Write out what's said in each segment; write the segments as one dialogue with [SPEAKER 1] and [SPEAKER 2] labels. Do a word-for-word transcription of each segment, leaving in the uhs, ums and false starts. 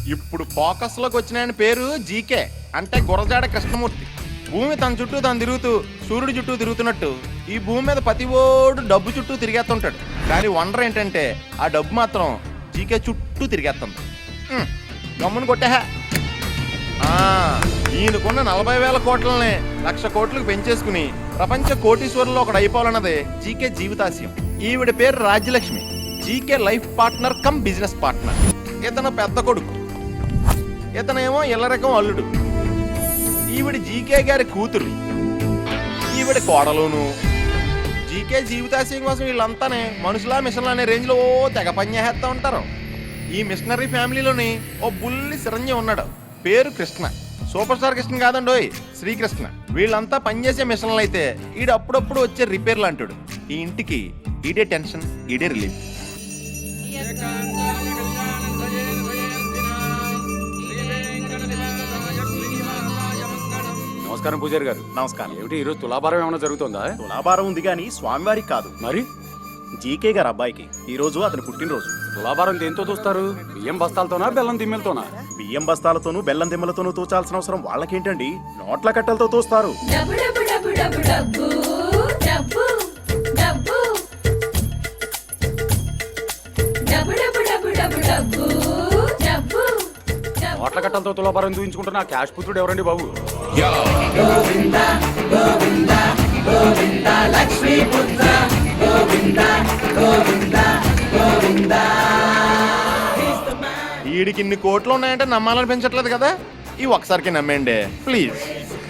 [SPEAKER 1] ఇప్పుడు ఫోకస్ లోకి వచ్చిన ఆయన పేరు జీకే అంటే గురజాడ కృష్ణమూర్తి. భూమి తన చుట్టూ తను తిరుగుతూ సూర్యుడి చుట్టూ తిరుగుతున్నట్టు ఈ భూమి మీద ప్రతి ఓడు డబ్బు చుట్టూ తిరిగేస్తుంటాడు. కానీ వండర్ ఏంటంటే ఆ డబ్బు మాత్రం జీకే చుట్టూ తిరిగేస్తుంది. గమ్మును కొట్టే ఈయనకున్న నలభై వేల కోట్లని లక్ష కోట్లకు పెంచేసుకుని ప్రపంచ కోటీశ్వరుల్లో ఒకడు అయిపోవాలన్నదే జీకే జీవితాశయం. ఈవిడ పేరు రాజ్యలక్ష్మి. GK life partner cum business partner. ఇతను పెద్ద కొడుకు, ఇతనేమో ఇల్లరకం అల్లుడు. ఈవిడ జీకే గారి కూతురు, ఈవిడ కోడలును. జీకే జీవితాశయం కోసం వీళ్ళంతానే మనుషులా మిషన్లు అనే రేంజ్ లో తెగ పనిచేస్తూ ఉంటారు. ఈ మిషనరీ ఫ్యామిలీలోని ఓ బుల్లి చిరంజీవి ఉన్నాడు, పేరు కృష్ణ. సూపర్ స్టార్ కృష్ణ కాదండోయ్, శ్రీకృష్ణ. వీళ్ళంతా పనిచేసే మిషన్లు అయితే ఈడు అప్పుడప్పుడు వచ్చే రిపేర్లు అంటాడు. ఈ ఇంటికి ఈడే టెన్షన్, ఈడే రిలీఫ్.
[SPEAKER 2] నమస్కారం పూజారి గారు.
[SPEAKER 3] నమస్కారం.
[SPEAKER 2] ఏమిటి ఈరోజు తులాభారం ఏమైనా జరుగుతుందా?
[SPEAKER 3] తులాభారం ఉంది కానీ స్వామివారికి కాదు,
[SPEAKER 2] మరి
[SPEAKER 3] జీకే గారు అబ్బాయికి. ఈ రోజు అతని పుట్టినరోజు.
[SPEAKER 2] తులాభారం దేంతో చూస్తారు? బియ్యం బస్తాలతోనా బెల్లం దిమ్మెలతోనా?
[SPEAKER 3] బియ్యం బస్తాలతోనూ బెల్లం దిమ్మలతోనూ తూచాల్సిన అవసరం వాళ్ళకేంటండి, నోట్ల కట్టలతో తోస్తారు.
[SPEAKER 2] నోట్ల కట్టలతో తులాభారం దూయించుకుంటున్న ఆ క్యాష్ పుత్రుడు ఎవరండి బాబు?
[SPEAKER 1] వీడికి ఇన్ని కోట్లు ఉన్నాయంటే నమ్మాలని పెంచట్లేదు కదా. ఈ ఒకసారికి నమ్మేయండి ప్లీజ్.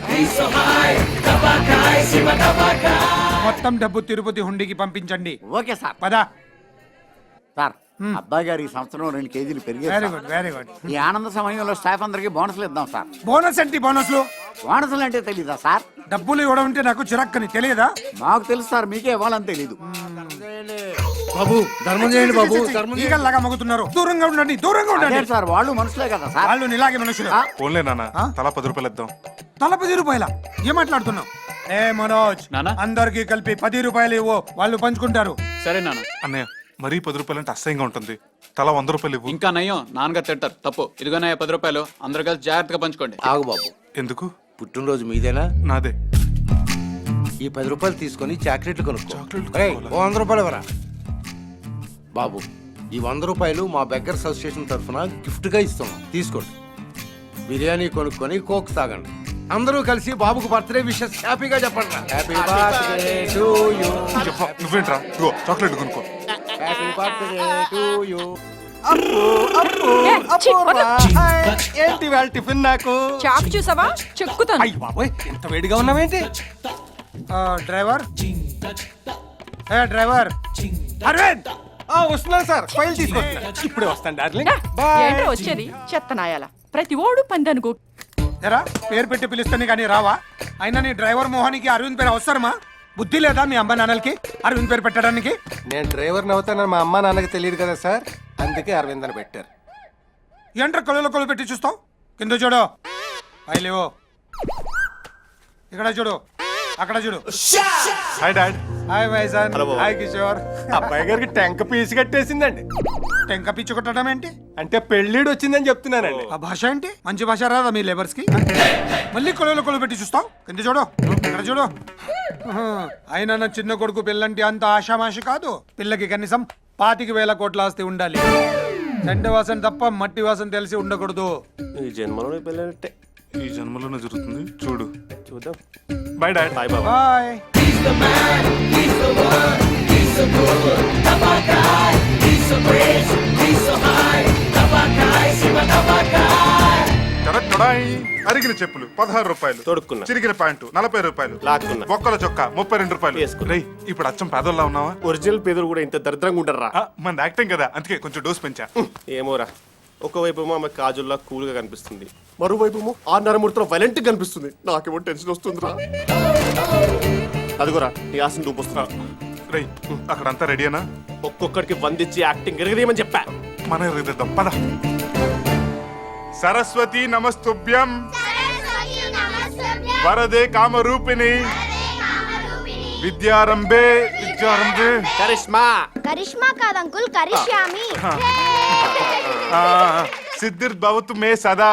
[SPEAKER 4] మొత్తం డబ్బు తిరుపతి హుండీకి పంపించండి.
[SPEAKER 5] Okay sir.
[SPEAKER 4] పదా
[SPEAKER 5] సార్, అబ్బాయి గారు ఈ సంవత్సరం రెండు కేజీలు
[SPEAKER 4] వెరీ
[SPEAKER 5] పెరిగారు.
[SPEAKER 4] Good very good.
[SPEAKER 5] ఈ ఆనంద సమయంలో స్టాఫ్ అందరికి బోనస్లు ఇద్దాం సార్.
[SPEAKER 4] బోనస్ ఏంటి బోనస్లు?
[SPEAKER 5] బోనస్లు అంటే తెలీదా సార్?
[SPEAKER 4] డబ్బులు ఇవ్వడం అంటే నాకు చిరక్కని తెలియదా?
[SPEAKER 5] మాకు తెలుసు సార్, మీకే ఇవ్వాలని తెలీదు.
[SPEAKER 6] బాబు ధర్మం చేయండి బాబు.
[SPEAKER 4] ఈగల్లాగా మగుతున్నారు. దూరంగా ఉండండి, దూరంగా
[SPEAKER 5] అదే
[SPEAKER 4] ఉండండి.
[SPEAKER 5] సార్, వాళ్ళు మనుషులే కదా సార్.
[SPEAKER 4] వాళ్ళు ఇలాగే మనుషులు.
[SPEAKER 5] ఆ?
[SPEAKER 6] ఫోన్లే నాన్న,
[SPEAKER 4] ఆ?
[SPEAKER 6] తలా పది రూపాయలు ఇద్దాం.
[SPEAKER 4] తల పది రూపాయల ఏం మాట్లాడుతున్నావు? ఏ మనోజ్,
[SPEAKER 7] నానా?
[SPEAKER 4] అందరికి కలిపి పది రూపాయలు ఇవ్వు, వాళ్ళు పంచుకుంటారు.
[SPEAKER 7] సరే నాన్న.
[SPEAKER 6] అన్నయ్య మరీ పది రూపాయలు అంటే అసహ్యంగా ఉంటుంది. తలా వంద రూపాయలు ఇవ్వు.
[SPEAKER 7] ఇంకా నయ్యం, నాన్నగారు తింటారు. తప్పు. ఇదిగోనయ్య పది రూపాయలు, అందరు కలిసి జాగ్రత్తగా పంచుకోండి.
[SPEAKER 8] ఆగు బాబు,
[SPEAKER 6] ఎందుకు?
[SPEAKER 8] పుట్టినరోజు మీదేనా?
[SPEAKER 6] నాదే.
[SPEAKER 8] ఈ పది రూపాయలు తీసుకొని చాక్లెట్లు కొనుక్కో.
[SPEAKER 6] చాక్లెట్లు
[SPEAKER 8] ఒరేయ్,
[SPEAKER 6] కొనుక్కోవాలా?
[SPEAKER 8] ఓ వంద రూపాయలు ఇవ్వరా బాబు. ఈ వంద రూపాయలు మా బెగ్గర్స్ అసోసియేషన్ తరఫున గిఫ్ట్ గా ఇస్తున్నాం, తీసుకోండి. బిర్యానీ కొనుక్కొని కోక్ తాగండి. అందరూ కలిసి బాబుకు బర్త్డే విషెస్ హ్యాపీగా చెప్పండి. Happy birthday to you.
[SPEAKER 6] చెప్పా, నువ్వేంట్రా? ఇగో చాక్లెట్ కొనుక్కో.
[SPEAKER 8] Happy birthday to you.
[SPEAKER 3] ఏంటి వాళ్ళ టిఫిన్ నాకు?
[SPEAKER 9] చాకు చూసావా? చెక్కుతాను.
[SPEAKER 3] అయ్యి బాబోయ్, ఇంత వేడిగా ఉన్నావేంటి?
[SPEAKER 4] ఆ, డ్రైవర్ ఏ డ్రైవర్ అరవింద్,
[SPEAKER 3] వస్తున్నాను సార్, ఫైల్ తీసుకొస్తున్నా. ఇప్పుడే వస్తాను డార్లింగ్.
[SPEAKER 9] ఏంటో వచ్చేది చెత్తనాయాల. ప్రతి ఓడు పందనుకో.
[SPEAKER 4] ఎరా పేరు పెట్టి పిలుస్తాను కానీ రావా? అయినా నీ డ్రైవర్ మోహన్కి అరవింద్ పేరు అవసరమా? బుద్ధి లేదా మీ అమ్మ నాన్నలకి అరవింద్ పేరు పెట్టడానికి?
[SPEAKER 10] నేను డ్రైవర్ని అవుతానని మా అమ్మ నాన్నకి తెలియదు కదా సార్, అందుకే అరవింద్ అని పెట్టారు.
[SPEAKER 4] ఏంట్రా కొలలో కొలు పెట్టి చూస్తావు? కింద చూడు, పైలేవో. ఇక్కడ చూడు, అక్కడ చూడు.
[SPEAKER 6] Hi dad.
[SPEAKER 4] హాయ్ వైజాన్. హాయ్ కిషోర్.
[SPEAKER 10] అబ్బాయి గారికి టెంక పీసు కట్టేసిందండి.
[SPEAKER 4] టెంక పిచ్చి కొట్టడం ఏంటి?
[SPEAKER 10] అంటే పెళ్ళిడు వచ్చిందని చెప్తున్నానండి.
[SPEAKER 4] ఆ భాష ఏంటి? మంచి భాష రాదా మీ లేబర్స్ కి? మళ్ళీ కొలలో కొలు పెట్టి చూస్తావు? కింద చూడు, ఇక్కడ చూడు. అయినా నా చిన్న కొడుకు పిల్లంటి అంత ఆషామాషి కాదు. పిల్లకి కనీసం పాతికి వేల కోట్ల ఆస్తి ఉండాలి. చెండ వాసన తప్ప మట్టి వాసన తెలిసి ఉండకూడదు.
[SPEAKER 10] ఈ జన్మలో పెళ్ళంటే
[SPEAKER 6] ఈ జన్మలోనే జరుగుతుంది, చూడు.
[SPEAKER 10] చూద్దాం.
[SPEAKER 6] Bye dad.
[SPEAKER 10] బాయ్ బాబా.
[SPEAKER 4] బాయ్.
[SPEAKER 6] అరిగిన చెప్పులు పదహారు రూపాయలు,
[SPEAKER 10] తొడుక్కున్నా.
[SPEAKER 6] చిరిగిన ప్యాంటు నలభై రూపాయలు,
[SPEAKER 10] లాక్కున్నా.
[SPEAKER 6] బొక్కల చొక్కా ముప్పై రెండు రూపాయలు.
[SPEAKER 10] వేసుకున్నా.
[SPEAKER 6] రేయ్, ఇప్పుడు అచ్చం పేదోళ్ళ ఉన్నావా?
[SPEAKER 10] ఒరిజినల్ పేదలు కూడా ఇంత దరిద్రంగా ఉండర్రా?
[SPEAKER 6] ఆ, మన యాక్టింగ్ కదా, అందుకే కొంచెం డోస్ పెంచా.
[SPEAKER 10] ఏమోరా, ఒకవైపు ఏమో ఆమె కాజుల్లా కూల్ గా కనిపిస్తుంది, మరోవైపు ఏమో ఆ నరమూర్తిలో వైలెంట్ కనిపిస్తుంది. నాకేమో టెన్షన్ వస్తుందిరా. అదిగోరా నీ ఆశను చూపిస్తున్నా.
[SPEAKER 6] రేయ్, అక్కడంతా రెడీనా?
[SPEAKER 10] ఒక్కొక్కడికి వందిచ్చి యాక్టింగ్ ఎరగదేమని చెప్పా.
[SPEAKER 6] మన ఎరుగుదాం పద. సరస్వతి నమస్తుభ్యం, వరదే కామరూపిణి, విద్యారంభే విద్యారంభే.
[SPEAKER 10] కరిష్మా
[SPEAKER 11] కరిష్మా కాదు అంకుల్, కరిష్యామి.
[SPEAKER 6] సిద్ధిర్ భవతు మే సదా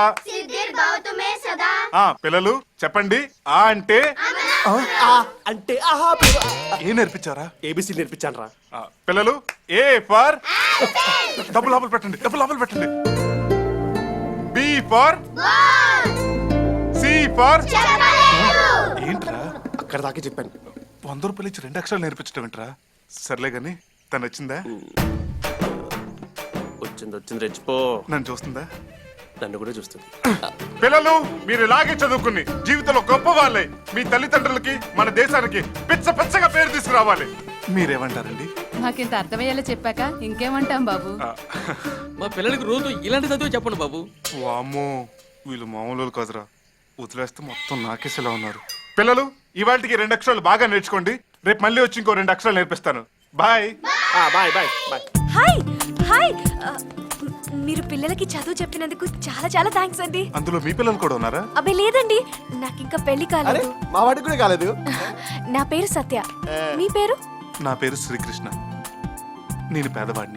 [SPEAKER 6] ఆ పిల్లలు చెప్పండి ఆ అంటే
[SPEAKER 10] ఆ అంటే ఆహా
[SPEAKER 6] ఏ నేర్పించారా
[SPEAKER 10] ఏబిసి నేర్పించాను రా.
[SPEAKER 6] ఆ, పిల్లలు ఏ ఫర్ డబ్బు లోపల పెట్టండి డబ్బు లోపల పెట్టండి బి ఫర్ సి ఫర్ ఏంట్రా
[SPEAKER 10] అక్కడ దాకా చెప్పాను.
[SPEAKER 6] వంద రూపాయలు ఇచ్చి రెండు అక్షరాలు నేర్పించడం ఏంట్రా సర్లే గాని తను వచ్చిందా
[SPEAKER 10] వచ్చింది వచ్చింది రెచ్చిపో.
[SPEAKER 6] నన్ను చూస్తుందా
[SPEAKER 10] నన్ను కూడా చూస్తుంది.
[SPEAKER 6] పిల్లలు మీరు ఇలాగే చదువుకుని జీవితంలో గొప్ప వాళ్ళే మీ తల్లిదండ్రులకి మన దేశానికి పిచ్చ పిచ్చగా పేరు తీసుకురావాలి మీరేమంటారండి
[SPEAKER 9] మాకింత అర్థమయ్యేలా చెప్పాక ఇంకేమంటాం బాబు.
[SPEAKER 6] ఆ,
[SPEAKER 7] మా పిల్లలకి రోజు ఇలాంటి చదువు చెప్పండి బాబు.
[SPEAKER 6] వామ్మో వీళ్ళు మామూలు కదరా వదిలేస్తే మొత్తం నాకేసేలా ఉన్నారు. పిల్లలు ఇవాళకి రెండు అక్షరాలు బాగా నేర్చుకోండి రేపు మళ్ళీ వచ్చి ఇంకో రెండు అక్షరాలు నేర్పిస్తాను bye.
[SPEAKER 10] Bye bye bye.
[SPEAKER 11] Hi hi ఆ, మీరు పిల్లలకి చదువు చెప్పినందుకు చాలా చాలా థ్యాంక్స్ అండి.
[SPEAKER 6] అందులో మీ పిల్లలు కూడా ఉన్నారా
[SPEAKER 11] అబ్బే లేదండి, నాకు ఇంకా పెళ్లి
[SPEAKER 10] అరే
[SPEAKER 11] కాలేదు.
[SPEAKER 10] మా వాడికి కూడా కాలేదు.
[SPEAKER 11] నా పేరు సత్య, మీ పేరు?
[SPEAKER 6] నా పేరు శ్రీకృష్ణ నేను పేదవాడిని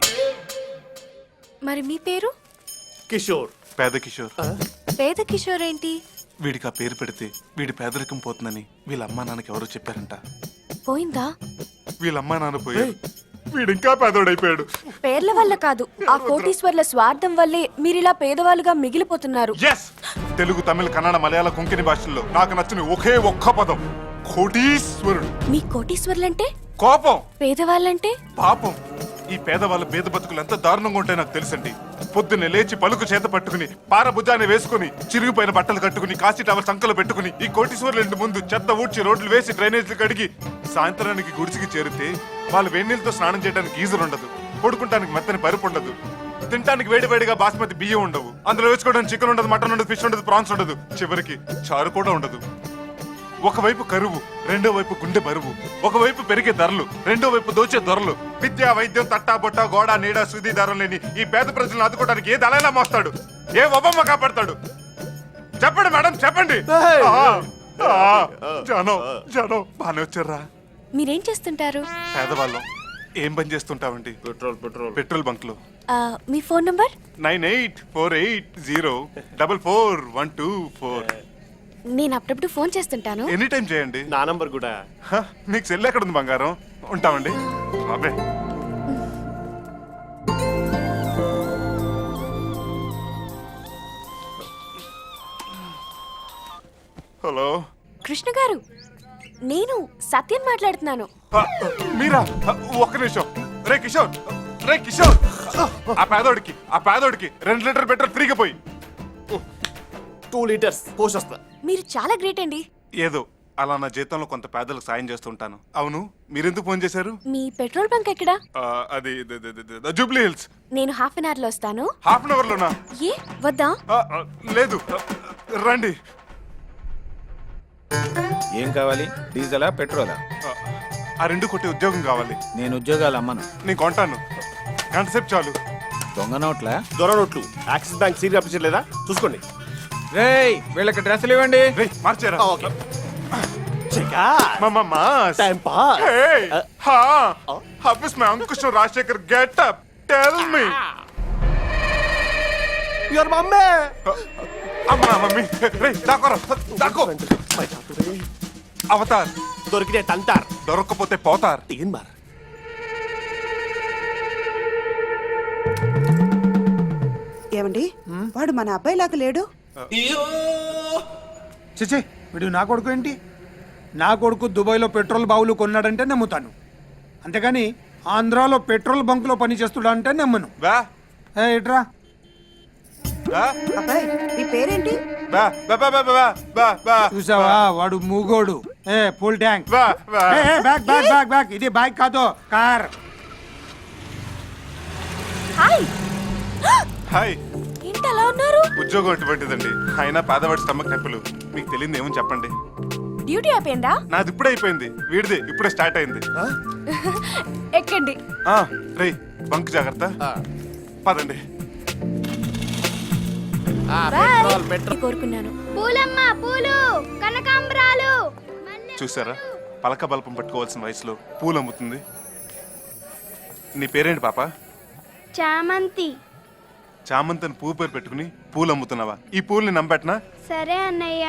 [SPEAKER 11] మరి మీ పేరు?
[SPEAKER 10] కిషోర్.
[SPEAKER 6] పేద కిషోర్
[SPEAKER 11] పేద కిషోర్ ఏంటి?
[SPEAKER 6] వీడికి ఆ పేరు పెడితే వీడి పేదరికం పోతుందని వీళ్ళ అమ్మా నాన్నకి ఎవరో చెప్పారంట.
[SPEAKER 11] పోయిందా?
[SPEAKER 6] వీళ్ళ అమ్మా నాన్న పోయారు వీడు ఇంకా పేదోడైపోయాడు.
[SPEAKER 11] పేర్ల వల్ల కాదు, ఆ కోటీశ్వర్ల స్వార్థం వల్లే మీరిలా పేదవాళ్ళుగా మిగిలిపోతున్నారు.
[SPEAKER 6] ఎస్ తెలుగు తమిళ కన్నడ మలయాళ కొంకణి భాషల్లో నాకు నచ్చిన ఒకే ఒక్క పదం కోటీశ్వరుడు.
[SPEAKER 11] మీ కోటీశ్వర్లంటే?
[SPEAKER 6] కోపం
[SPEAKER 11] పేదవాళ్ళంటే?
[SPEAKER 6] పాపం. ఈ పేదవాళ్ళ పేద బతుకులు ఎంత దారుణంగా ఉంటాయో నాకు తెలుసండి. పొద్దున్నే లేచి పలుకు చేత పట్టుకుని పారభుజాన్ని వేసుకుని చిరిగిపోయిన బట్టలు కట్టుకుని కాశీ టవల్ సంకలు పెట్టుకుని ఈ కోటీశ్వర్ల ఇంటి ముందు చెత్త ఊడ్చి రోడ్లు వేసి డ్రైనేజీలు కడిగి సాయంత్రానికి గుడిసికి చేరితే వాళ్ళు వేడినీళ్ళతో స్నానం చేయడానికి గీజర్ ఉండదు, పడుకుంటానికి మెత్తని పరుపు ఉండదు, తినడానికి వేడి వేడిగా బాస్మతి బియ్యం ఉండవు, అందులో వేసుకోవడానికి చికెన్ ఉండదు, మటన్ ఉండదు, ఫిష్ ఉండదు, ప్రాన్స్ ఉండదు, చివరికి చారు కూడా ఉండదు. ఒకవైపు కరువు, రెండో వైపు గుండె బరువు, ఒకవైపు పెరిగే ధరలు, రెండో వైపు దోచే ధరలు. విద్యా వైద్యం తట్టా బొట్ట గోడ నీడ సుది ధరలు లేని ఈ పేద ప్రజలను ఆదుకోవడానికి ఏ దళైనా మోస్తాడు, ఏ ఒబమ్మ కాపాడతాడు? చెప్పండి మేడం చెప్పండి. ఆ, ఆ, జనం జనం బానే వచ్చారా?
[SPEAKER 11] మీరేం చేస్తుంటారు?
[SPEAKER 6] పేదవాళ్ళం ఏం పని చేస్తుంటామండి?
[SPEAKER 10] పెట్రోల్ పెట్రోల్
[SPEAKER 6] పెట్రోల్ బంక్ లో.
[SPEAKER 11] ఆ, మీ phone number?
[SPEAKER 6] Nine eight four eight zero double four one two four.
[SPEAKER 11] నేను అప్పుడప్పుడు ఫోన్ చేస్తుంటాను.
[SPEAKER 6] ఎనీ టైం చేయండి.
[SPEAKER 10] నా నంబర్ కూడా.
[SPEAKER 6] హ, మీకు సెల్ ఎక్కడ ఉంది బంగారం? ఉంటామండి బాబే. హలో
[SPEAKER 11] కృష్ణ గారు, నేను సత్యం మాట్లాడుతున్నాను.
[SPEAKER 6] ఆ, మీరా ఆ, ఒక్క నిమిషం. రే కిషోర్ రే కిషోర్ ఆ పేదోడికి ఆ పేదోడికి రెండు లీటర్ పెట్రోల్ ఫ్రీగా పోయి.
[SPEAKER 10] టూ లీటర్స్ పోషొస్తా.
[SPEAKER 11] మీరు చాలా గ్రేట్ అండి.
[SPEAKER 6] ఏదో అలా నా జీతంలో కొంత పేదలకు సాయం చేస్తుంటాను. అవును మీరెందుకు ఫోన్ చేశారు?
[SPEAKER 11] మీ పెట్రోల్ బంక్ ఎక్కడా?
[SPEAKER 6] ఆ, అది ద- ద- ద- ద- జూబ్లీ హిల్స్.
[SPEAKER 11] నేను హాఫ్ అన్ అవర్ లో వస్తాను.
[SPEAKER 6] హాఫ్ అన్ అవర్ లోనా?
[SPEAKER 11] ఏ వద్దా?
[SPEAKER 6] ఆ, ఆ, లేదు ఆ, రండి.
[SPEAKER 2] ఏం కావాలి? డీజిలా పెట్రోలా?
[SPEAKER 6] ఆ, ఆ రెండు కొట్టి ఉద్యోగం కావాలి.
[SPEAKER 2] నేను ఉద్యోగాలు అమ్మను.
[SPEAKER 6] నేను కొంటాను గంట సేపు చాలు.
[SPEAKER 2] దొంగ నోట్లా?
[SPEAKER 10] దొర నోట్లు. యాక్సిస్ బ్యాంక్ సీరియల్ అప్లికేషన్ లేదా చూసుకోండి.
[SPEAKER 2] రేయ్ వీళ్ళకి డ్రెస్సులు ఇవ్వండి.
[SPEAKER 6] రే మార్చారా?
[SPEAKER 10] ఓకే. చెకా.
[SPEAKER 6] మామా mass
[SPEAKER 10] time pass.
[SPEAKER 6] Hey, ha, how is my Ankush and Rajshekhar get up? Tell me.
[SPEAKER 10] Your mummy.
[SPEAKER 6] అమ్మా మమ్మీ రే దాకోరా దాకో. అవతార్
[SPEAKER 10] దొరికితే తంటార్.
[SPEAKER 6] దొరక్కపోతే పోతార్.
[SPEAKER 10] తీన్ మార్.
[SPEAKER 12] ఏమండి వాడు మన అబ్బాయి లాగా లేడు.
[SPEAKER 4] చిచి వీడు నా కొడుకు ఏంటి? నా కొడుకు దుబాయ్లో పెట్రోల్ బావులు కొన్నాడంటే నమ్ముతాను, అంతేగాని ఆంధ్రాలో పెట్రోల్ బంకులో పని చేస్తుడా అంటే నమ్మను.
[SPEAKER 6] బా
[SPEAKER 4] ఏ ఇట్రా.
[SPEAKER 6] బా
[SPEAKER 12] అబ్బాయి నీ పేరేంటి?
[SPEAKER 6] బా బా బా బా బా బా బా
[SPEAKER 4] చూసావా వాడు మూగోడు. ఏ ఫుల్ ట్యాంక్.
[SPEAKER 6] బా బా
[SPEAKER 4] ఏ, ఏ, బ్యాక్ బ్యాక్ బ్యాక్ బ్యాక్. ఇది బైక్ కాదు కార్.
[SPEAKER 11] Hi,
[SPEAKER 6] hi.
[SPEAKER 11] ఏంటి అలా ఉన్నారు?
[SPEAKER 6] ఉద్యోగం అటువంటిదండి. అయినా పేదవాడి స్టమక్ నొప్పులు. మీకు తెలియదు ఏమని చెప్పండి.
[SPEAKER 11] డ్యూటీ అయిపోయిందా?
[SPEAKER 6] నాది ఇప్పుడే అయిపోయింది, వీడిది ఇప్పుడే స్టార్ట్ అయింది.
[SPEAKER 11] ఎక్కండి.
[SPEAKER 6] ఆ, రే బంక్ జాగ్రత్త. పదండి.
[SPEAKER 11] బాయ్. కోరుకున్నాను.
[SPEAKER 12] పూలమ్మ పూలు కనకాంబరాలు.
[SPEAKER 6] చూసారా పలక బల్పం పట్టుకోవాల్సిన వయసులో పూలు అమ్ముతుంది. నీ పేరేంటి పాప?
[SPEAKER 12] చామంతి.
[SPEAKER 6] చామంతిని పువ్వు పేరు పెట్టుకుని పూలు అమ్ముతున్నావా? ఈ పూల్ని నమ్మెట్నా?
[SPEAKER 11] సరే అన్నయ్య.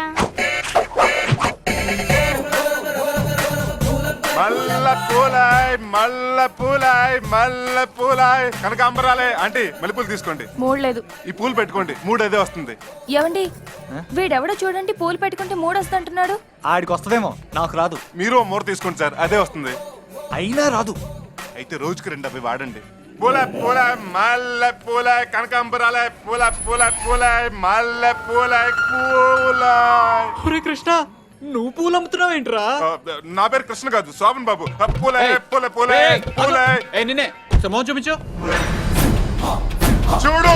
[SPEAKER 6] మల్ల పూలాయ్ మల్ల పూలాయ్ మల్ల పూలాయ్ కనకాంబరాలే. ఆంటీ మల్లెపూలు తీసుకోండి.
[SPEAKER 9] మూడలేదు.
[SPEAKER 6] ఈ పూలు పెట్టుకోండి, మూడు అదే వస్తుంది.
[SPEAKER 11] ఏమండి వీడెవడో చూడండి పూలు పెట్టుకుంటే మూడు వస్తుంటున్నాడు.
[SPEAKER 2] ఆడికి వస్తుందేమో, నాకు రాదు.
[SPEAKER 6] మీరు ఓ మూర తీసుకోండి సార్, అదే వస్తుంది.
[SPEAKER 2] అయినా రాదు.
[SPEAKER 6] అయితే రోజుకి రెండు అవి వాడండి. పూల పూల మల్ల పూల కనకాంబరాలే పూల పూల పూల మల్ల పూల పూల.
[SPEAKER 7] ఒరే కృష్ణ, నువ్వు పూలు అమ్ముతున్నావు ఏంట్రా?
[SPEAKER 6] ఆ, నా పేరు కృష్ణ కాదు, శోభన్ బాబు. ఆ, పూలే పూలే పూలే పూలే.
[SPEAKER 7] ఏ నిన్నే సమోహం చూపించు.
[SPEAKER 6] చూడు,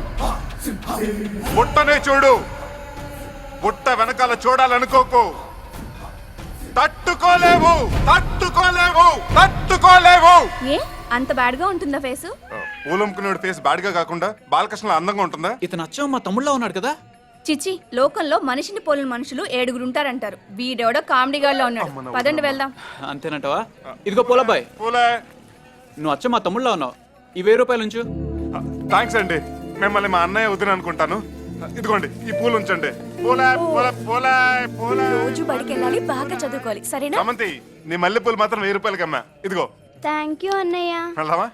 [SPEAKER 6] బుట్టనే చూడు. బుట్ట వెనకాల చూడాలనుకోకు. తట్టుకోలేవు తట్టుకోలేవు తట్టుకోలేవు.
[SPEAKER 11] ఏ అంత బ్యాడ్ గా ఉంటుందా ఫేసు?
[SPEAKER 6] పూలమ్ముకునేవాడి ఫేస్ బాడిగా కాకుండా బాలకృష్ణ అందంగా ఉంటుందా?
[SPEAKER 7] ఇతను అచ్చం మా తమ్ముళ్ళ ఉన్నాడు కదా.
[SPEAKER 11] చిచి, లోకంలో మనిషిని పోలిన మనుషులు ఏడుగురు ఉంటారంటారు. వీడెవడో కామెడీ గాడిలో ఉన్నాడు. పదండి వెళ్దాం.
[SPEAKER 7] అంతేనంటవా? ఇదిగో పూలబ్బాయ్,
[SPEAKER 6] పూలే.
[SPEAKER 7] నువ్వు అచ్చం మా తమ్ముళ్ళ ఉన్నావు. ఈ వెయ్యి రూపాయలు ఉంచు.
[SPEAKER 6] థ్యాంక్స్ అండి. మిమ్మల్ని మా అన్నయ్య వదిన అనుకుంటాను. ఇదిగోండి ఈ పూలు ఉంచండి. పూలే పూల పూలే పూలే.
[SPEAKER 11] రోజు బడికి వెళ్ళాలి, బాగా చదువుకోవాలి, సరేనా?
[SPEAKER 6] సమంతి, నీ మల్లె పూలు మాత్రం వెయ్యి రూపాయలకి అమ్మా. ఇదిగో.
[SPEAKER 11] థ్యాంక్ యూ అన్నయ్య.
[SPEAKER 6] వెళ్దామా?